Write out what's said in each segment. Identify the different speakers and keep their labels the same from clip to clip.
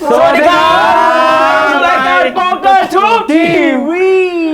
Speaker 1: สวัสดีครับรายการโป๊กเกอร์ทูบทีวี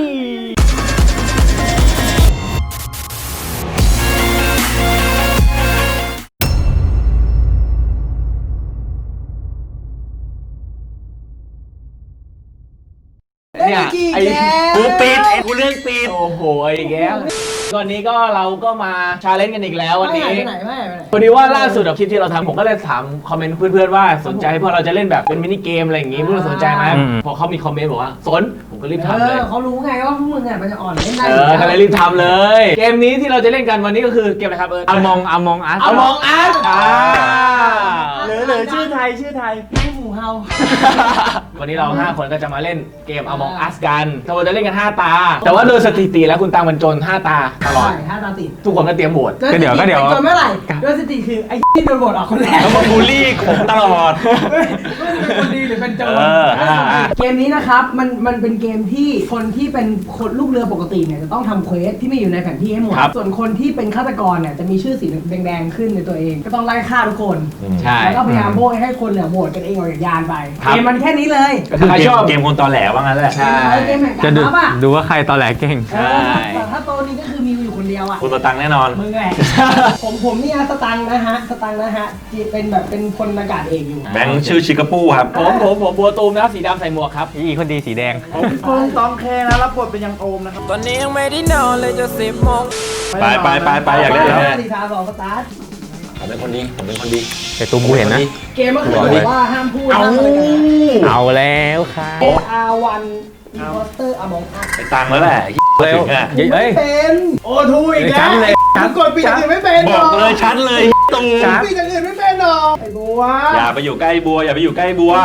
Speaker 1: เนี่ยไอ้กูปิดกูเรื่องปิดโอ้โหไอ้แก้ววันนี้ก็เราก็มาชาเลนจ์กันอีกแล้ววันนี้พอดีว่าล่าสุดคลิปที่เราทำผมก็เลยถามคอมเมนต์เพื่อนๆว่าสนใจพวกเราจะเล่นแบบเป็นมินิเกมอะไรอย่างงี้พวกเราสนใจไหมพอเขามีคอมเมนต์บอกว่าสนผมก็รีบทำเลย
Speaker 2: เขารู้ไงว่าพวกมึงอ่ะมันจะอ่อนเล่นได้
Speaker 1: ก็เลยรีบทำเลยเกมนี้ที่เราจะเล่นกันวันนี้ก็คือเกมอะไรครับ
Speaker 3: Among Us
Speaker 1: Among Us
Speaker 3: หรือชื่อไทย
Speaker 2: ไม่หมูเฮา
Speaker 1: วันนี้เรา5คนก็จะมาเล่นเกม Among Us กันเราจะเล่นกัน5ตาแต่ว่าโดยสถิติแล้วคุณตังบรรจง5ตาตลอด
Speaker 2: 5ตาติด
Speaker 1: ทุกคนก็เตรียมโหวต
Speaker 3: ก็เดี๋ยว
Speaker 2: จนเมื่อไหร่โดยสถิติคือไอ้ที่โดนโหวตออกคนแรก
Speaker 3: แล้วมาบูลลี่ผมตลอด
Speaker 2: เป็นคนดีหรือเป็นโจรเกมนี้นะครับมันเป็นเกมที่คนที่เป็นคนลูกเรือปกติเนี่ยจะต้องทำเควสที่ไม่อยู่ในแผนที่ให้หมดส่วนคนที่เป็นฆาตกรเนี่ยจะมีชื่อสีแดงๆขึ้นในตัวเองก็ต้องไล่ฆ่าทุกคนแล้วก็พยายามโบยให้คนเนี่ยโหวตกันเองออกจากยานไปเกมมันแค่นี้เลย
Speaker 3: คือเกมคนตอแหลว่างั้นแหละ
Speaker 2: เกมแห่งการรับอ่ะ
Speaker 3: ดูว่าใครตอแหลเก่ง
Speaker 2: แต่ถ้าโตนี้ก็คือมีอยู่คนเดียวอ่ะ
Speaker 3: คุณตังแน่นอน
Speaker 2: มึงแหละผมนี่สตังนะฮะเป็นแบบเป็นพลอากาศเอกอยู่
Speaker 3: แบงค์ชื่อชิคาปูครับ
Speaker 1: ผมบัวตูมนะสีดำใส่หมวกครับ
Speaker 3: อีคนดีสีแดง
Speaker 4: ผมตองแคนะรับบทเป็นยังโอมนะครับ
Speaker 5: ตอนนี้ยังไม่ได้นอนเลยจะ10 โมง
Speaker 3: ไปอยากเล่นแล้ว
Speaker 2: สีทา2สตาร์ท
Speaker 3: ผมเป็นคนดีแต่ตูมกูเห็นนะ
Speaker 2: เกมก็คือบอกว่าห้ามพูดห้ามอะไรกัน
Speaker 3: เอาแล้วค่ะ
Speaker 2: R1 Imposter Among Us
Speaker 3: ไปตังแล้วแหละเร็ว
Speaker 2: ไม่เป็นโอ้ทูอีกแล้วกดปิดอย่างอื่นไม่เป็น
Speaker 3: บอกเลยชัดเลยตูม
Speaker 2: ปิดอย่างอื่นไม่เป็นหรอไอ้บัว
Speaker 3: อย่าไปอยู่ใกล้บัวอย่าไปอยู่ใกล้บัว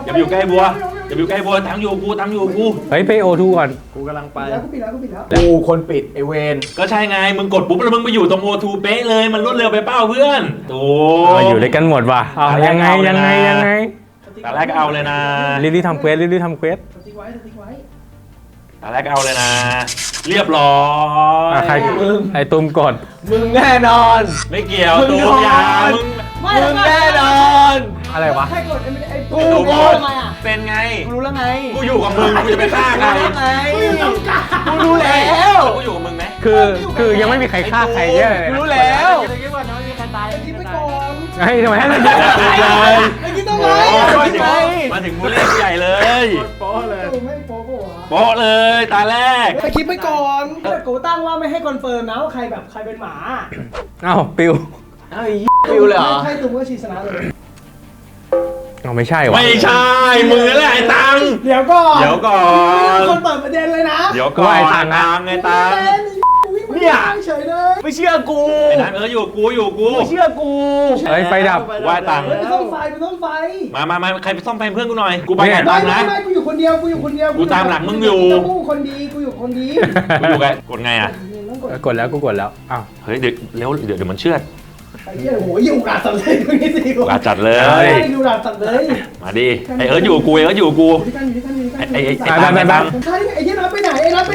Speaker 3: ทั้งอยู่กูเฮ้ยไปโอทูก่อน
Speaker 4: กูกำลังไป
Speaker 2: กูปิดแล้ว
Speaker 1: กูคนปิดไอเวน
Speaker 3: ก็ใช่ไงมึงกดปุ๊บแล้วมึงไปอยู่ตรงโอทูเป๊ะเลยมันรวดเร็วไปเป้าเพื่อนโอ้อยู่ด้วยกันหมดว่ะยังไงตอนแรกเอาเลยนะรีบทำเควส
Speaker 2: สติ๊กไว้
Speaker 3: ตอนแรกเอาเลยนะเรียบร้อยใครไอ้ตุ้มกด
Speaker 1: มึงแน่นอน
Speaker 3: ไม่เกี่ยวตุ้มยา
Speaker 1: มึงแน่นอน
Speaker 3: อะไรวะ
Speaker 2: ใครกด
Speaker 1: กูกด
Speaker 3: เป็นไง
Speaker 1: กูรู้แล้วไง
Speaker 3: กูอยู่กับมึงกูจะไปฆ่าใคร
Speaker 1: กูรู้แล้ว
Speaker 3: กูอยู่กับมึงไหม
Speaker 1: คือยังไม่มีใครฆ่าใครเยอะเลย
Speaker 2: รู้แล้วคิดว่าน้องมีใครตายคิดไปก่อน
Speaker 1: เฮ้ยทำไมให้มันเยอะ
Speaker 2: เลยคิดต้องไง
Speaker 3: มาถึงมูลเล่ใหญ่เลย
Speaker 2: โป๊ะเลยไม่โ
Speaker 3: ป๊ะเลยตาแรก
Speaker 2: ไปคิดไปก่อนกูตั้งว่าไม่ให้คอนเฟิร์มนะว่าใครเป็นหมา
Speaker 3: อ้าวปิว
Speaker 1: เลยเหรอ
Speaker 2: ใครตุ้มก็ชีชนะเลย
Speaker 3: ไม่ใช่วะไม่ใช่มึงนั่นแหละไอ้ตัง
Speaker 2: เดี๋ยวก่อน
Speaker 3: คน
Speaker 2: เปิดประเด็นเลยนะ
Speaker 3: เดี๋ยวก่อนไอ้ตังไอ้ตัง
Speaker 2: เนี่ยเฉยเลย
Speaker 1: ไม่เชื่อกู
Speaker 3: ไอ้ตังอยู่กู
Speaker 1: ไม่เชื่อกู
Speaker 3: เฮ้ยไฟดับว่าตัง
Speaker 2: ไปซ่อมไฟ
Speaker 3: มาใครไปซ่อมไฟเพื่อนกูหน่อยกูไปไหนตังนะ
Speaker 2: ไม่กูอยู่คนเดียว
Speaker 3: กูตามหลังมึงอยู่
Speaker 2: กูคนดีกูอยู่
Speaker 3: ไงกดไงอ่ะกดแล้วอ้าวเฮ้ยเดี๋ยวมันเชื่อ
Speaker 2: ไอ้เหี้ยโหยิ่งอุกอาจจัดเลยตรงนี้สิ
Speaker 3: อุกอาจจัดเลย
Speaker 2: อุกอาจจัดเลย
Speaker 3: มาดิไอ้อยู่กูไอ้ตังไ
Speaker 2: อ้เหี้ยนับไปไหนไอ้นับ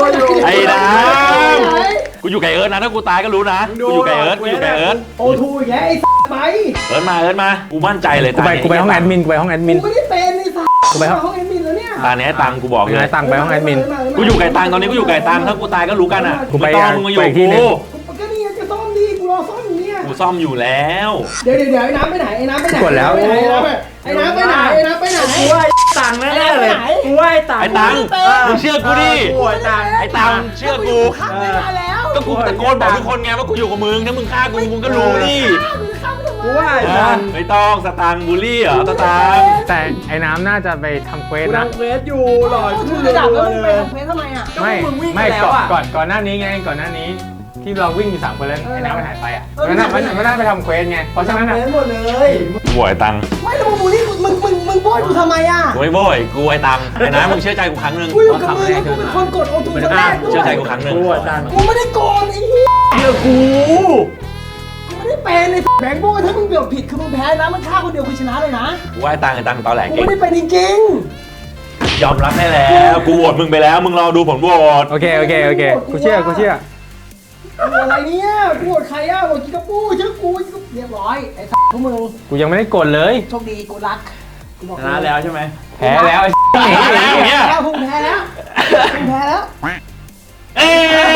Speaker 3: กูอยู่ไก่เอิร์ธนะถ้ากูตายก็รู้นะกูอยู่ไก่เอิร์ธ
Speaker 2: โอทูอีกแล้วไอ้ไป
Speaker 3: เอิร์ธมากูมั่นใจเลย
Speaker 1: กูไปห้องแอดมิน
Speaker 2: กูไม่ได้เป็นไอ้กูไปห้องแอดมินแล้วเนี่ย
Speaker 3: ตาเนี้ยตังกูบอกเลย
Speaker 1: ตังไปห้องแอดมิน
Speaker 3: กูอยู่ไก่ตังตอนนี้กูอยู่ไก่ตังถ้ากูตายก็รู้กันอ่ะกูไปมึงมาอยู่กู
Speaker 2: ก็นี่จะซ่อมดีกูรอซ่อมอยู่เนี่ย
Speaker 3: กูซ่อมอยู่แล้ว
Speaker 2: เดี๋ยวไอ้น้ำไปไหน
Speaker 1: กดแล้ว
Speaker 2: ไอ้น้ำไปไหน
Speaker 1: กูว่าตังแน่เลยกูว่า
Speaker 3: ไอ้ตังมึงเชื่อกูดิไอ้ตังเชื่อกูก็กูตะโกนบอกทุกคนไงว่ากูอยู่กับมึงถ้ามึงฆ่ากูมึงก็รู้ดิ
Speaker 1: กูว่า
Speaker 3: ไม่ต้องสตังบูลลี่เหรอสตัง
Speaker 1: แต่ไอ้น้ำน่าจะไปทำเควสนะ
Speaker 4: ทำเควสอยู่หล่อขึ้น
Speaker 2: เลยแล้วมึงไปทำเควสทำไมอ่ะ
Speaker 1: ไม่ก่อนหน้านี้ไงก่อนหน้านี้ที่เราวิ่งอยู่3 คนแล้วไอ้น้ำมันหายไปอ่ะมันน่าไปทำเควสไงเพราะฉะนั้น
Speaker 2: หมดเลย
Speaker 3: กูไอ้ตัง
Speaker 2: ไม่แล้วมึงบูลลี่มึงโบยกูทำไมอ่ะ
Speaker 3: กูไม่โบยกูไอ้ตังไอ้น้ำมึงเชื่อใจกูครั้งนึง
Speaker 2: กูอยู่กับมึงแล้วกูเป็นคนกดโอทูคนแรก
Speaker 3: เชื่อใจกูครั้งนึง
Speaker 2: กูไม่ได้โกงไอ้เหี้ย
Speaker 1: เชื่อกู
Speaker 2: ไม่ได้เป็นไอ้แบงค์โบยถ้ามึงเบี่ยวผิดคือมึงแพ้นะมันฆ่าคนเดียวคือชนะเลยนะ
Speaker 3: กูไอ้ตังตอแหลก
Speaker 2: กูไม่ได้เป็นจริง
Speaker 3: ยอมรับได้แล้วกูโหวตมึงไปแล้วมึงรอดูผลโหวต
Speaker 1: โอเคกูเชื่อ
Speaker 2: อะไรเนี่ยกูโหวตใครอ่ะโหวตกิกาปูเชื่อกูเรียบร้อยไอ้พวกมึง
Speaker 1: กูยังไม่ได้กดเลย
Speaker 2: โชคดีกูรัก
Speaker 4: ชนะแล้วใช่ไหม
Speaker 1: แพ้แล้วไอ้
Speaker 3: เนี่ย
Speaker 2: แล้วพุ่งแพ้แล้วพุ่งแพ้แล้ว
Speaker 3: เอ้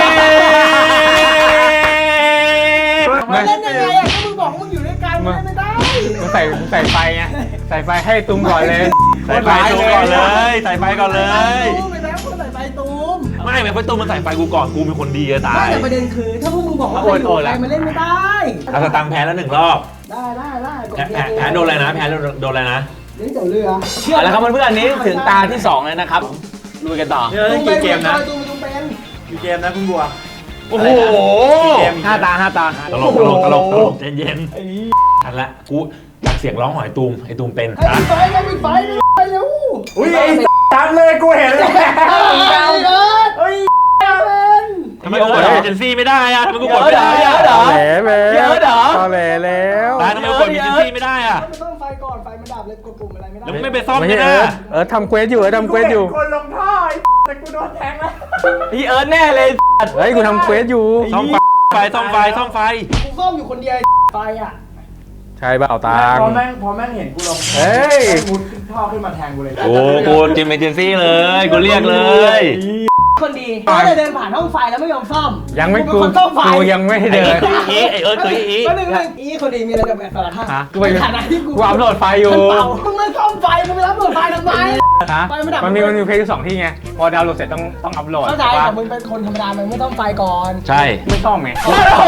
Speaker 2: มาเล่นยังไงอ่ะก็มึงบอกว่ามึงอยู่ด้วยกันมึงเล่นไม่ได้
Speaker 1: มึงใส่ไฟไงใส่ไฟให้ตุ้มก่อนเลย
Speaker 3: ใส่ไฟตูมก่อนเลยใส่ไฟก่อนเลย
Speaker 2: ตูมไปแล้วมึงใส่ไฟตูม
Speaker 3: ไม่ไฟตูมมันใส่ไฟกูก่อนกูเป็นคนดีจะตา
Speaker 2: ไม่
Speaker 3: ย
Speaker 2: แต่ประเด็นคือถ้าพวกมึงบอกว่าใครอยู่ใครมาเล่นไม่ได้
Speaker 3: เอาสตังค์แพ้แล้ว1 รอบ
Speaker 2: ได้กด
Speaker 3: แพ้โดนอะไรนะแพ้โดนอะไรนะ
Speaker 2: เล่นเดี๋ยวเรือ
Speaker 1: เอาละครับเพื่อนๆนี้ถึงตาที่2แล้วนะครับลุยกันต่อ
Speaker 4: เล่นกี่เกมนะ
Speaker 2: ตูมเป็น
Speaker 4: กี่เกมนะคุณบัว
Speaker 3: โอ้โห
Speaker 1: 5 ตา
Speaker 3: ตลกใจเย็นทันละกูจากเสียงร้องหอยตูมไอ้ตูมเป็น
Speaker 2: ให้ไฟไปเร็ว
Speaker 4: อุ้ยไอ้ตัดเลยกูเห็นแล้ว
Speaker 2: เฮ้ย
Speaker 3: ทำไมกูกดเอเจนซี่ไม่ได้อะทำไมกูกดไม่ได้
Speaker 1: เย
Speaker 3: อะ
Speaker 1: อะเหรอ
Speaker 6: เยอะเหรอตอแหลแล้ว
Speaker 3: ตายทำไมกูกดเอเจนซี่ไม่ได้อะ
Speaker 2: ไม่ต้องไฟก่อนไฟมันดับเลยกดปุ่มอะไรไม่ได้
Speaker 3: แล้วมึงไม่ไปซ่อม
Speaker 6: ไม่
Speaker 3: เนี่
Speaker 6: ใช่
Speaker 3: ยนะ
Speaker 6: ทำเควสอยู่ทำเควสอยู่
Speaker 4: คนลงท่อแต่กูโดนแทงแล้ว
Speaker 1: พี่เอิร์ธแน่เลย
Speaker 6: เฮ้ยกูทำเควสอยู่
Speaker 3: ซ่อมไฟซ่อมไฟ
Speaker 2: กูซ่อมอยู่คนเดียวไฟอ่ะ
Speaker 6: ใช่เปล่าตัง
Speaker 4: พอแม่งเห็นกูลง
Speaker 6: เฮ้ย
Speaker 4: มุดขึ้นท่อขึ้นมาแทงกูเลย
Speaker 3: กูจิมเอเจนซี่เลยกูเรียกเลย
Speaker 2: คนดีก็เลยเดินผ่านห้องไฟแล้วไม่ยอมซ่อม
Speaker 6: ยังไม่กู
Speaker 2: เป็นคนซ่อมไฟ
Speaker 6: กูยังไม่เดิน
Speaker 3: ไอเอิร์ธคืออี
Speaker 2: ก็หนึ่งอีคนดีมีอะไรกับแม่สารภาพ
Speaker 6: ฮะ
Speaker 2: ในฐานะที่กู
Speaker 6: กูอัพโหลดไฟอยู่
Speaker 2: มันเป่ามึงมาซ่อมไฟมึงไปรับโหลดไฟทำไม
Speaker 6: ฮะ
Speaker 2: ไฟไม่ดับ
Speaker 6: มันมีเควสอยู่2 ที่ไงพอดาวน์โหลดเสร็จต้องอัพโหลด
Speaker 2: เข้าใจ
Speaker 6: ถูกปะ
Speaker 2: แต่มึงเป็นคนธรรมดามึงไม่ต้องไฟก่อน
Speaker 3: ใช่
Speaker 6: ไม่ต้องไง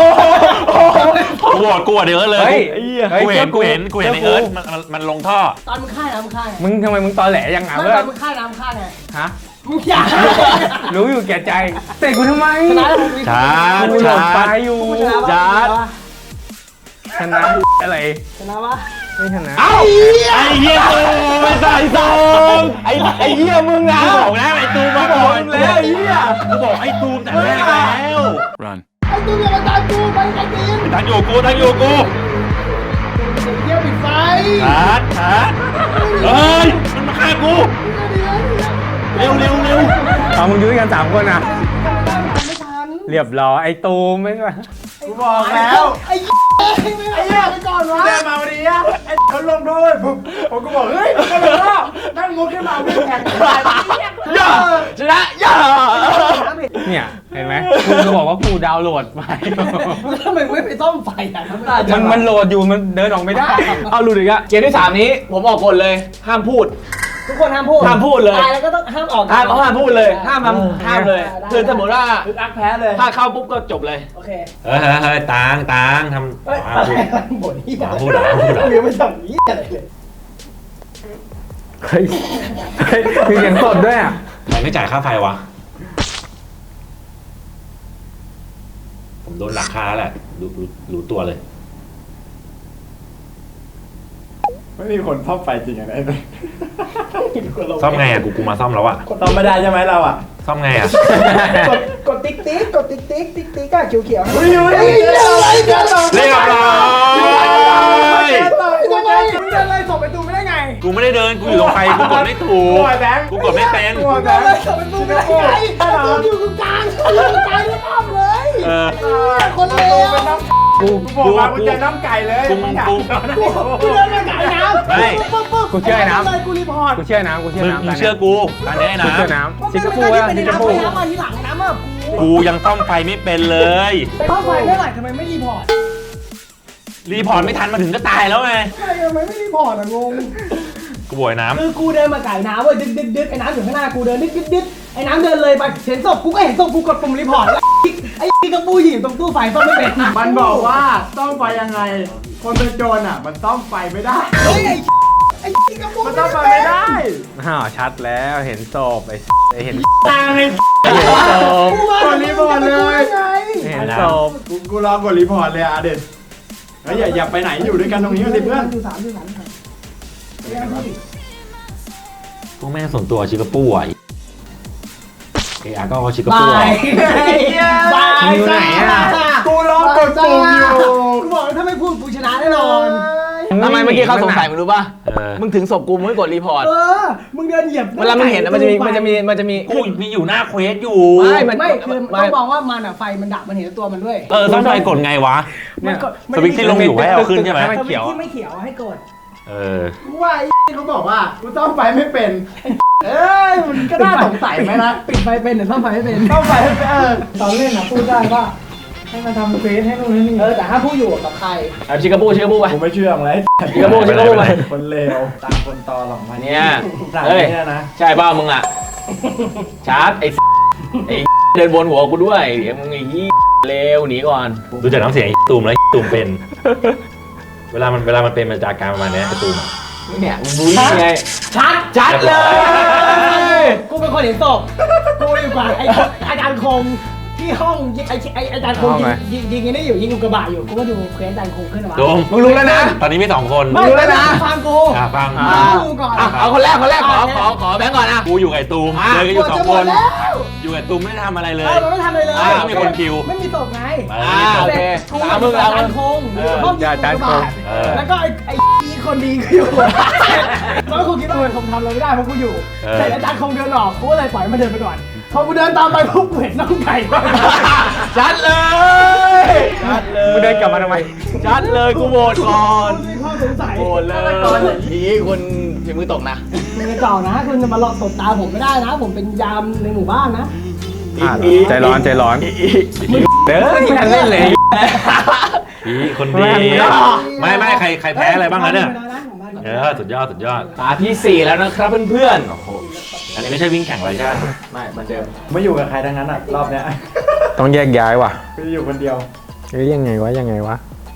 Speaker 3: กูโหวตเอิร์ธเลย
Speaker 6: เฮ้ย
Speaker 3: กูเห็นไอเอิร์ธมันลงท่อ
Speaker 2: ตอนมึงฆ่าน้ำฆ่าไง
Speaker 6: มึงทำไมมึงตอแหลยังไง
Speaker 2: ไม่
Speaker 6: เพื่
Speaker 2: ต
Speaker 6: อ
Speaker 2: อน นมึงฆ่าน้ำฆ่าไง
Speaker 6: ฮะ
Speaker 2: มึงอย่า
Speaker 6: รู้อยู่แก่ใจเตะกูทำไม
Speaker 2: ชนะแล้วมึง
Speaker 3: ช้า
Speaker 6: กูโหลดไฟอยู่
Speaker 2: กูชนะปะ
Speaker 6: จัดชนะอะไร
Speaker 2: ชนะปะ
Speaker 6: ไม่ชนะ
Speaker 3: เอ้าไอ้เหี้ยตูไม่ใส่ซองไอ้เหี้ยมึงนะบอกแล้วไอ้ตูมาบอกแล้วไอ้เหี้ยกูบอกไอ้ตูมแต่แรกแล้ว
Speaker 2: ไอ้ตูอย่ามาตามกูไปไอ้ตีน
Speaker 3: ตั้งอยู่กู
Speaker 2: เที่ยวปิดไฟ
Speaker 3: ชัดเฮ้ยมันมาฆ่ากูเร็ว
Speaker 6: เอามึงอยู่ด้วยกัน3 คนอ่ะ
Speaker 2: ไม่ทัน
Speaker 6: เรียบร้อยไอ้ตูมไม่ว่า
Speaker 4: กูบอกแล้ว
Speaker 2: ไอ้ไม่เอาไปก่อนวะ
Speaker 4: เดินมาวันนี้อะไอ้เขาลงโทษผมก็บอกเฮ้ยมันลงท่อนั่งมุดขึ้นมาวิ่งแข่งกัน
Speaker 1: ย่าชนะย่า
Speaker 6: เนี่ยเห็นไหมกูจะบอกว่ากูดาวน์โหลดไป
Speaker 2: ทำไมไม่ไปซ่อมไฟอ่ะ
Speaker 6: มันโหลดอยู่มันเดินออกไม่ได้
Speaker 1: เอาลุยอีกอะเกมที่ 3 นี้ผมออกกฎเลยห้ามพูด
Speaker 2: ทุกคนห้ามพูด
Speaker 1: ห้ามพูดเลย
Speaker 2: ตายแล้วก็ต้องห้ามออก
Speaker 1: ห้ามพูดเลยห้ามเลย
Speaker 2: ได้
Speaker 1: คือสมมติว่า
Speaker 4: คืออักแพ้เลย
Speaker 1: ถ้าเข้าปุ๊บก็จบเลย
Speaker 2: โอเค
Speaker 3: เฮ้ยตังท
Speaker 2: เฮ้ย
Speaker 3: ำ
Speaker 2: บ่นที่
Speaker 3: พูดเหรอ
Speaker 2: เรียกไม่ทำนี้อะไรเลย
Speaker 6: เฮ้ยมีเสียงสดด้วยอ่ะ
Speaker 3: ใครไม่จ่ายค่าไฟวะผมโดนหลักค่าแล้วแหละรู้ตัวเลย
Speaker 4: ไม่มีคนซ่อมไฟจริงอะไรเลย
Speaker 3: ซ่อมไงอ่ะกูมาซ่อมแล้วอ่ะ
Speaker 4: ซ่อมไม่ได้ใช่ไหมเราอ่ะ
Speaker 3: ซ่อมไงอ่ะ
Speaker 2: กดติ๊กติ๊กกดติ๊กติ๊กติ๊กติ๊กอะเขียวๆ
Speaker 4: อุ้ย
Speaker 2: อะไรกันเหรอ
Speaker 3: เรียบร้อย
Speaker 2: ยังไงเดินเลยส่งไปตูไม่ได้ไง
Speaker 3: กูไม่ได้เดินกูอยู่ตรงไฟกูกดไม่ถูก
Speaker 4: ตัวแบงค์
Speaker 3: กูกดไม่เป็น
Speaker 4: ตัวแบ
Speaker 2: เดิน
Speaker 4: ง
Speaker 2: เลย
Speaker 4: ค์
Speaker 2: ส่งไปตูไม่ได้ไงตูอยู่ตรงกลางแล้วอ้อมเลย
Speaker 3: เออ
Speaker 2: คนเลว
Speaker 4: เป็นน้ำกูบอกมากูจะน้ำไก่เลย
Speaker 3: กู
Speaker 2: กูเดินมาไก่น้ำ
Speaker 6: กูเชื่อไอ้น้ำ
Speaker 2: เลยกูรีพอร์ต
Speaker 6: กูเชื่อน้ำกูเชื่อ
Speaker 3: มึง
Speaker 6: น้ำ
Speaker 3: มึงเชื่อกูตอนนี้นะ
Speaker 6: กูเชื่อน้ำชิคกี้พูดชิคกี้พูด
Speaker 2: น้ำมาทีหลังน้ำอ่ะ
Speaker 3: กูยังซ่อมไฟไม่เป็นเลย
Speaker 2: ไปเข้าไฟไม่ไหวทำไมไม่รีพอร์ต
Speaker 3: รีพอร์ตไม่ทันมาถึงก็ตายแล้วไง
Speaker 2: ทำไมไม่รีพอร์ตอ่ะงง
Speaker 3: กูบ่อยน้ำ
Speaker 2: คือกูเดินมาไก่น้ำเว้ยดึกไอ้น้ำอยู่ข้างหน้ากูเดินดึกไอ้น้ำเดินเลยไปเห็นศพกูก็เห็นศพกูกดปุ่มรีพอร์ตแล้วไอ้กระปูหยิบตรงตู้ไฟซ่อมไม่เป็น
Speaker 4: มันบอกว่าซ่อมไฟยังไง คนเป็นโจรอ่ะ มันซ่อมไฟไม่ได้
Speaker 2: เฮ้ยไอ้กระปู
Speaker 4: มันซ่อมไฟไม่ได้
Speaker 6: อ้าวชัดแล้วเห็นศพไอ้เห็น
Speaker 4: ตาย
Speaker 6: เห็นศพ
Speaker 2: กูมาไง
Speaker 6: เห็นศพ
Speaker 4: กูรอกดรีพอร์ตเลยอ่ะเด็ดเฮ้ยอย่าไปไหนอยู่ด้วยกันตรงนี้กันสิเพื่อน
Speaker 2: อยู่สาม
Speaker 3: พวกแม่งส่วนตัวชิคาปูอ่ะเออาก็ชิคา
Speaker 2: บา
Speaker 3: ปูอ่ะ
Speaker 2: ยบาย
Speaker 6: อยู่ไหนอ่ะ
Speaker 4: กูรอกดปุ่มอยู่
Speaker 2: กูบอกถ้าไม่พูดกูชนะแน่นอน
Speaker 1: ทำไมเมื่อกี้เขาสงสัยมึงรู้ป่ะ
Speaker 3: เออ
Speaker 1: มึงถึงศพกูมึงไม่กดรีพอร์ต
Speaker 2: มึงเดินเหยียบ
Speaker 1: เวลามึงเห็นอะมันจะมี
Speaker 3: กูมีอยู่หน้าเควสอยู่
Speaker 2: ไม่คือต้องมองว่ามันอ่ะไฟมันดับมันเห็นตัวมันด้วย
Speaker 3: ต้องไฟกดไงวะ
Speaker 6: เนี่ย
Speaker 3: สวิตช์ที่ลงอยู่ให้เอาขึ้นใช่ไหม
Speaker 6: ให้มันเขียว
Speaker 2: ที่ไม่เขียวให้กด
Speaker 4: กูว่าไอ้เขาบอกว่ากูซ่อมไฟไม่เป็นมันก็น่าสงสัยไหมนะ
Speaker 2: ปิดไฟเป็นหรือซ่อมไฟไม่เป็น
Speaker 4: ซ่อมไฟไม่เป็น
Speaker 2: ตอนเล่นพูดได้ว่าให้มาทำเฟซให้นู่นให้นี่แต่ถ้าผู้อยู่กับใคร
Speaker 1: เอาชิคาบูไป
Speaker 4: กูไม่เชื่อมึงเลย
Speaker 1: ชิคาบูไป
Speaker 4: คนเลวตามคนตอหรอกมัน
Speaker 1: เนี่ย
Speaker 4: สั่ง
Speaker 1: เฮ้ย
Speaker 4: เนี่ยนะ
Speaker 1: ใช่เปล่ามึงอ่ะชาร์จไอ้เดินบนหัวกูด้วยเดี๋ยวมึงไอ้เลวหนีก่อน
Speaker 3: ดูจากน้ำเสียงไอ้ตูมแล้วไอ้ตูมเป็น เวลามันเป็นมาจากการประมาณเนี้ยไอ้ตูมอะ
Speaker 1: เนี่ยมึงรู้ยังไงชัดเลย
Speaker 2: กูเป็นคนเห็นศพกูอยู่กับอาจารย์คงที่ห้องอาจารย์คงยิงนี่อยู่ยิงอุกกาบาตอยู่กูก็ดูเควสอาจารย์คงขึ้นมา
Speaker 3: ตูม
Speaker 1: มึงรู้แล้วนะ
Speaker 3: ตอนนี้มี2 คน
Speaker 2: ไม่รู้แล้วนะฟังกู
Speaker 3: ฟัง
Speaker 2: ดูก่อน
Speaker 1: เอาคนแรกขอแบงก์ก่อนนะ
Speaker 3: กูอยู่กับไอ้ตูมเลยก็อยู่2 คน อยู่กับตูมไม่ได้ทำอะไรเลย
Speaker 2: มันไม่ทำอะไรเลย
Speaker 3: มีคนคิว
Speaker 2: ไม่มีศพไง
Speaker 1: โอเค
Speaker 2: กู
Speaker 1: ตามมึง
Speaker 2: อาจารย์คงห้องยิงอุกกาบาตแล้วก็ไอ้คนดีก็อยู่แล้วกูคิดว่าผมทำอะไรไม่ได้เพราะกูอยู่แต่อาจารย์คงเดินออกกูก็เลยปล่อยมันเดินไปก่อนพอกูเดินตามไปปุ๊บเห็นน้องไก่
Speaker 1: ชัดเลย
Speaker 6: มึงเดินกลับมาทำไม
Speaker 1: ชัดเลยกูโหวตก่อน
Speaker 2: มีข้อสงสัย
Speaker 1: โหวตเลยทีคุณฝีมือตกนะ
Speaker 2: มึงจะจ่อนะคุณจะมาหลอกตบตาผมไม่ได้นะ ผมเป็นยามในหมู่บ้านนะ
Speaker 6: ใจร้อนเด้อไม่ทันเล่นเลย
Speaker 3: คนดีไม่ใครแพ้อะไรบ้างแล้วเนี่ยสุดยอด
Speaker 1: ตาที่ 4 แล้วนะครับเพื่อนๆโอ้โห
Speaker 3: อันนี้ไม่ใช่วิ่งแข่งอะไรใช่ไหม
Speaker 1: ไม่เหมือนเดิม
Speaker 4: ไม่อยู่กับใครทั้งนั้นอ่ะรอบเนี้ย
Speaker 6: ต้องแยกย้ายว่ะ
Speaker 4: กูอยู่คนเดียว
Speaker 6: ยังไงวะ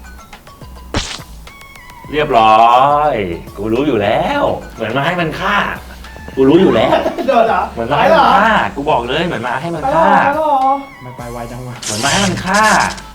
Speaker 3: เรียบร้อย กูรู้อยู่แล้ว เหมือนมาให้มันฆ่า กูรู้อยู่แล้ว
Speaker 4: โดนเหรอ
Speaker 3: เหมือนมาให้มันฆ่า กูบอกเลยเหมือนมาให้มันฆ่า
Speaker 4: ไม่ไปไวจังวะ
Speaker 3: เหมือนมาให้มันฆ่า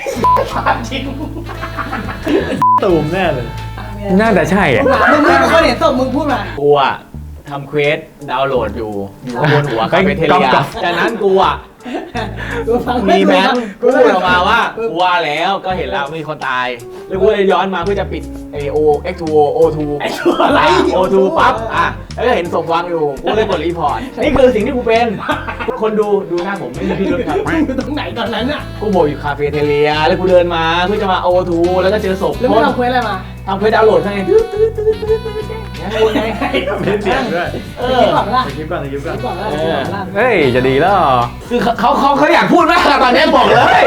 Speaker 4: ตูมแน่เลย
Speaker 6: น่าจะใช่อ่ะ
Speaker 2: มึงเป็นคนเห็นศพมึงพูดมา
Speaker 1: กูอะทำเควสดาวน์โหลดอยู่บนหัวคาเฟ่เทเลียจากนั้นกูอะมีแบงค์พูดออกมาว่ากูว่าแล้วก็เห็นแล้วมีคนตายแล้วกูเลยย้อนมาเพื่อจะปิดไอโอ X2O O2
Speaker 2: อะไร
Speaker 1: O2 ปั๊บแล้วก็เห็นศพวางอยู่กูเลยกดรีพอร์ตนี่คือสิ่งที่กูเป็นคนดูหน้าผมไม่มีพิรุธครับ
Speaker 2: อยู่ตรงไหนตอนนั้นอ่ะ
Speaker 1: กูโบอยู่คาเฟ่เทเลียแล้วกูเดินมาเพื่อจะมา O2 แล้วก็เจอศพ
Speaker 2: แล้วมึงทำเควสอะไรมา
Speaker 1: ทำเควสดาวน์โหลดไงยังกูไง
Speaker 4: มีเสียงด้วย
Speaker 2: คิดก่อนละ
Speaker 4: สกิปก่อน
Speaker 2: คิดก่อนละ
Speaker 6: เฮ้ยจะดีแล้ว
Speaker 1: คือเขาอยากพูดมากอะตอนนี้บอกเลย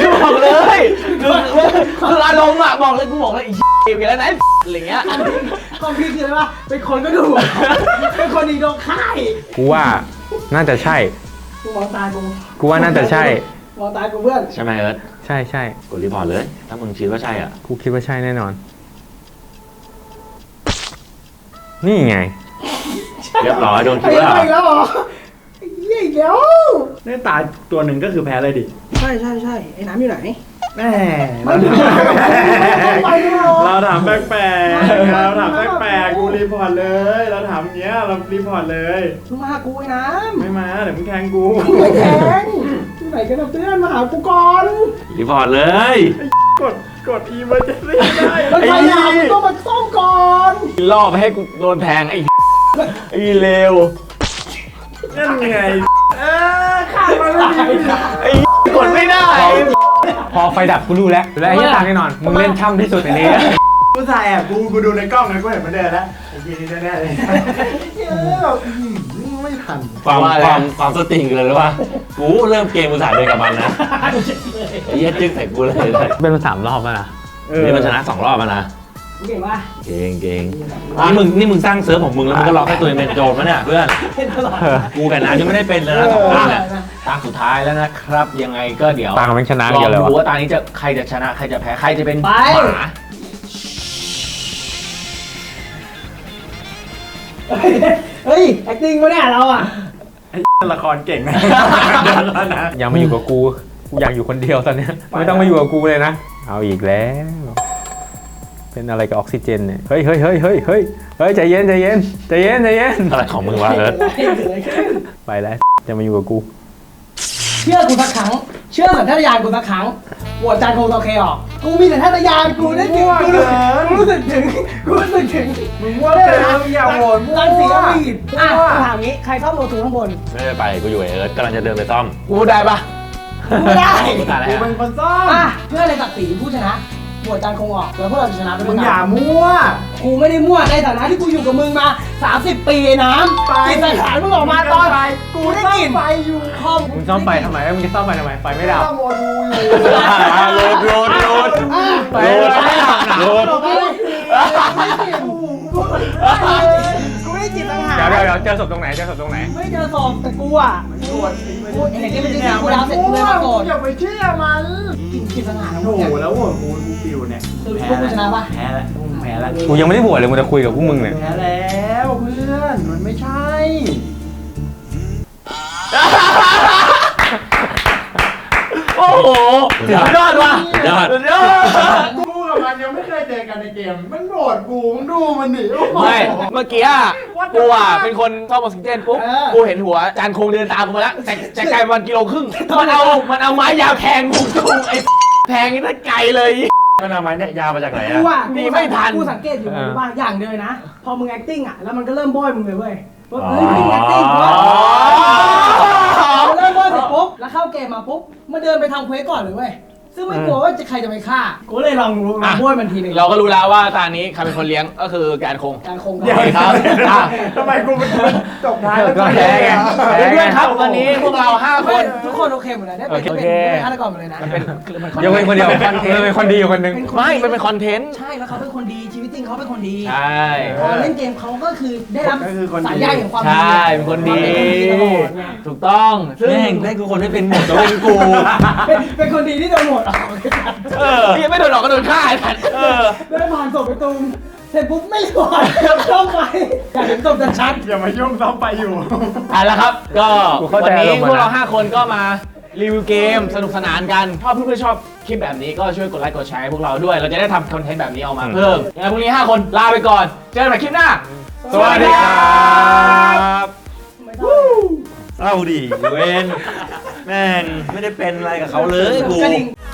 Speaker 1: คืออารมณ์อะบอกเลยกูบอกเลยอีเกมแล้วนะอะไรเงี้ย
Speaker 2: ความพี่คืออะไรวะเป็นคนก็ดูเป็นคนดีโดนค่าย
Speaker 6: กูว่าน่าจะใช่
Speaker 2: กูมองตากู
Speaker 6: กูว่าน่าจะใช่
Speaker 2: มองตากูเพื่อน
Speaker 3: ใช่ไหมเอิร์ธ
Speaker 6: ใช่
Speaker 3: กดรีพอร์ตเลย ถ้ามึงคิดว่าใช่อ่ะ
Speaker 6: กูคิดว่าใช่แน่นอน นี่ไง
Speaker 3: เรียบร้อยโดนคิ
Speaker 2: ไอ้
Speaker 3: ดว่า
Speaker 2: อีกแล้วเหรอไอ้เหี้ยอีกแล้ว
Speaker 4: นี่ตายตัวหนึ่งก็คือแพ้เลยดิ
Speaker 2: ใช่ไอ้น้ำอยู่ไหน
Speaker 4: แม่
Speaker 2: ไม่ไปไม่รอ
Speaker 4: เราถามแปลกๆเราถามแปลกๆกูรีพอร์ตเลย เราถามเงี้ยเรารีพอร์ตเลย
Speaker 2: มึงมาหากูไอ้น้ำ
Speaker 4: ไม่มาเดี๋ยวมึงแทงกู
Speaker 2: ไม่แทงที่ไหนกันนะเพื่อนมาหากูก่อน
Speaker 3: รีพอร์ตเลย
Speaker 4: กดอีเมอร์เจนซี่ได้
Speaker 2: แล้วใครอยากมึงต้องมาซ่อมก่อน
Speaker 1: ล่อไปให้กูโดนแทงไอ้เลว
Speaker 4: นั่นไงข้ามมาเลย
Speaker 1: กดไม่ได้
Speaker 6: พอไฟดับกูรู้แล้วและไอ้ที่ตางแน่นอน มึงเล่นช่ำที่สุดในนี้
Speaker 4: กูถ่ายแอบกูดูในกล้องนะกูเห็นมันเดินแล้วไอ้ทีนี้แน่ๆเลยไม่ทัน
Speaker 3: ความสติงเลยหรือว่ากูเริ่มเกมกูสายเดินกับมันนะไอ้เหี้ยจึ๊กใส่กูเลย
Speaker 6: เป็นมา3 รอบแล้วนะ
Speaker 3: นี่มันชนะ2 รอบแล้วนะ
Speaker 2: เก่งป่ะ
Speaker 3: เก่งนี่มึงสร้างเซิร์ฟของมึงแล้วมึงก็ล็อกให้ตัวเองเป็นโจรมั้ยเนี่ยเพื่อน
Speaker 2: เป็นตลอด
Speaker 3: กูกับน้ำยังไม่ได้เป็นเลยนะ2 คนเนี่ย
Speaker 1: ตาสุดท้ายแล้วนะครับ ยังไงก็เดี๋ยว
Speaker 6: ตางมันชนะ
Speaker 1: ลอ
Speaker 6: เกี่ยว
Speaker 1: ง
Speaker 6: เลยวะ
Speaker 1: ดูว่าตานี้จะใครจะชนะใครจะแพ้ใครจะเป็นหมา
Speaker 2: เฮ้ย acting วะเนี่ยเราอ่ะ
Speaker 4: ละครเก่งนะ
Speaker 6: ยังมาอยู่กับกูอยากอยู่คนเดียวตอนเนี้ยไม่ต้องมาอยู่กับกูเลยนะ เอาอีกแล้ว เป็นอะไรกับออกซิเจนเนี่ย เฮ้ยใจเย็น
Speaker 3: อะไรของมึงวะเอิร์ธ
Speaker 6: ไปแล้วจะมาอยู่กับกู
Speaker 2: เชื่อกูสักครั้ง เชื่อสัญชาตญาณกูสักครั้งโหวตจานโคโอเคออก กูมีสัญชาตญาณกูได้ถึงกูรู้สึกถึง
Speaker 4: มึงว่าเจออย่าโหวตมั่ว
Speaker 2: รังสีอวีดถามงี้ ใครเข้าโมทูข้างบน
Speaker 3: ไม่ได้ไปกูอยู่กับเอิร์ธกำลังจะเดินไปซ่อม
Speaker 1: กูได้ปะ
Speaker 2: ไม่ได้
Speaker 1: กูตายแล้
Speaker 4: กู
Speaker 1: ว
Speaker 4: เป็นคนซ่อม
Speaker 2: เพื่ออะไรศักดิ์ศรีผู้ชนะโหวตจานคงออกแล้วพวกเราจะชนะไป
Speaker 4: มึ
Speaker 2: ด้ว
Speaker 4: ง
Speaker 2: ย
Speaker 4: อย่า
Speaker 2: กัน
Speaker 4: มั่ว
Speaker 2: กูไม่ได้มั่วในฐานะที่กูอยู่กับมึงมา 30 ปีน้ำ
Speaker 4: ไป
Speaker 2: กินอาหารมึงออกมาตอน
Speaker 4: ไป
Speaker 2: กูได้กลิ่น
Speaker 4: ไปอยู่
Speaker 2: ห้อง
Speaker 6: มึงซ่อมไฟทำไมมึงจะซ่อมไฟทำไมไฟไม่ดับ
Speaker 4: ต้องโมดูอยู่
Speaker 3: โหลด
Speaker 2: ไป
Speaker 3: โหลด
Speaker 2: กูไม่ได้จิตสังหาร
Speaker 6: เดี๋ยวเจอศพตรงไหนเจอศพตรงไหน
Speaker 2: ไม่เจอศพแต่กูอ่ะ
Speaker 4: ตรวจ
Speaker 2: กูเห็นที่มันจะกูดาวเสร็จกูเลยมาโกรธ
Speaker 4: อย่าไปเชื่อมัน
Speaker 2: กินจิตสังหาร
Speaker 4: โอ้โหแล้วโหวตกูปิวเนี่ย
Speaker 2: คือพวกกูชนะปะ
Speaker 3: แพ้แล้วแพ้แล้ว
Speaker 6: กูยังไม่ได้บวชเลยมึงจะคุยกับพวกมึงเนี่ย
Speaker 4: แพ้แล้วเพื่อนมันไม่ใช่
Speaker 1: โอ้โหสุดยอดว่ะ
Speaker 3: ยอด
Speaker 1: สุดยอด
Speaker 4: กูกับมันยังไม่เคยเจอกันในเกมมันโหวตกูมึงดูมันดิโอ้โห
Speaker 1: ไม่เมื่อกี้อะกูอ่ะเป็นคนซ่อมออกซิเจนปุ๊บกูเห็นหัวจานคงเดินตามกูมาแล้วแต่ไกลประมาณ1.5 กิโลมันเอาไม้ยาวแทงกูไอ้แทงนี่ไกลเลย
Speaker 3: มันเอาไม้เนี่ยยาวมาจากไหน
Speaker 2: กู
Speaker 3: อะ
Speaker 2: อ่ะ
Speaker 1: นี่ไม่ทัน
Speaker 2: กูสังเกตอยู่ว่าอย่างเดียวนะ พอมึง acting อ่ะแล้วมันก็เริ่มโบยมึงเลยเว้ยว่าเฮ้ยมึง acting วะเริ่มโบยเสร็จปุ๊บแล้วเข้าเกมมาปุ๊บมาเดินไปทำเควสก่อนเลยเว้ยซึ่งไม่กลัวว่าใครจะไปฆ่ากูเลยลองโบยมันทีนึง
Speaker 1: เราก็รู้แล้วว่าตานี้ใครเป็นคนเลี้ยงก็คือการคง
Speaker 2: การคง
Speaker 1: เดี๋ยวครับ
Speaker 4: ทำไมกูเป็นจบท้ายแล้ว
Speaker 6: ก็แพ้ไง
Speaker 1: เพื่อนๆครับวันนี้พวกเรา5 ค
Speaker 2: ไม่
Speaker 1: น
Speaker 2: ทุกคนโอเคหมดเลยได้เป็น
Speaker 1: โอเค
Speaker 2: ฆาตกรหมดเลยนะ
Speaker 6: ยกเว้นคนเดียวเป็นคนดีอยู่คนหนึง
Speaker 1: ไม่มันเป็นคอนเทนต์
Speaker 2: ใช่แล้วเขาเป็นคนดีชีวิตจริงเขาเป็นคนดี
Speaker 1: ใช่
Speaker 2: พอเล่นเกมเขาก็คือได้รับสายใยแห่งความ
Speaker 1: ใช
Speaker 2: ดี่
Speaker 1: เป็นคนดี
Speaker 2: ตลอดไง
Speaker 1: ถูกต้องซึ่ง
Speaker 3: แม่งกูคนไม่เป็นหมดตัวเป็นกู
Speaker 2: เป็นคนดีที่โดนโหวตออก
Speaker 1: พี่ยังไม่โดนหลอกก็โดนฆ่าไอ้สัตว์
Speaker 2: ได้ผ่านศพไปตูมเสร็จปุ๊บไม่รอดต้องไปอยากเห็นศพชัด
Speaker 4: อย่ามายุ่งต้องไปอยู่
Speaker 1: เอาละครับ ก็
Speaker 6: กูเข้า
Speaker 1: วั
Speaker 6: ใจ
Speaker 1: นนี้
Speaker 6: อารมณ์
Speaker 1: พวกเรา
Speaker 6: นะ
Speaker 1: 5 คนก็มารีวิวเกมสนุกสนานกันถ้าเพื่อนๆชอบคลิปแบบนี้ก็ช่วยกดไลค์กดแชร์ให้พวกเราด้วย เราจะได้ทำคอนเทนต์แบบนี้ออกมาเพิ่มยังไงพรุ่งนี้ 5 คนลาไปก่อน เจอกันใหม่คลิปหน้า
Speaker 6: สวัสดีครับ
Speaker 2: ๆไม่ต้อง
Speaker 3: เศร้าดิเวนแม่งไม่ได้เป็นอะไรกับเขาเลยกู
Speaker 2: กระดิ่ง